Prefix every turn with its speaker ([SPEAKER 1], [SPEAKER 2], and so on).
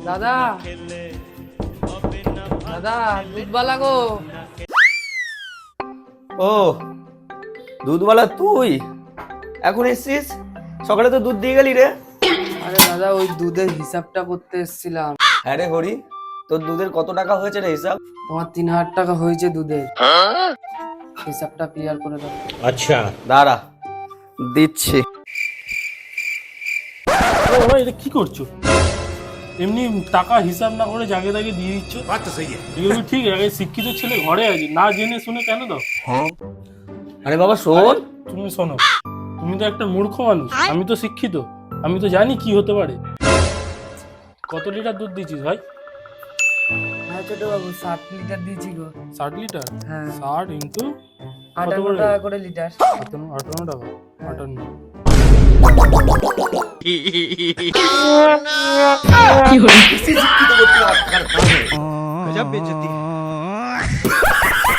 [SPEAKER 1] দাদা দাদা দুধওয়ালা গো।
[SPEAKER 2] ও দুধওয়ালা তুই এখন এসছিস? সকালে তো দুধ দিয়ে গেলি রে।
[SPEAKER 1] আরে দাদা ওই দুধের হিসাবটা করতে এসেছিলাম।
[SPEAKER 2] হ্যাঁ রে হরি, তোর দুধের কত টাকা হয়েছে রে হিসাব?
[SPEAKER 1] তোমার 3000 টাকা হয়েছে দুধের। হিসাবটা ক্লিয়ার করে দাও।
[SPEAKER 2] আচ্ছা দাঁড়া দিচ্ছি।
[SPEAKER 3] ও বাবা, এটা কি করছো? এমনি টাকা হিসাব না করে জাগে তাকে দিয়ে দিচ্ছ। এগুলো ঠিক আছে? শিক্ষিত ছেলে ঘরে আছে, না জেনে শুনে কেন দাও?
[SPEAKER 2] আরে বাবা শোন,
[SPEAKER 3] তুমি শোনো, তুমি তো একটা মূর্খ মানুষ, আমি তো শিক্ষিত, আমি তো জানি কি হতে পারে। কত লিটার দুধ দিয়েছিস ভাই?
[SPEAKER 1] হ্যাঁ ছোট বাবু 60 লিটার দিয়েছি গো।
[SPEAKER 3] 60 লিটার?
[SPEAKER 1] হ্যাঁ
[SPEAKER 3] 60 ইন্টু
[SPEAKER 1] 58 টাকা করে লিটার।
[SPEAKER 3] 58 টাকা 58।
[SPEAKER 2] গজব বেজতি।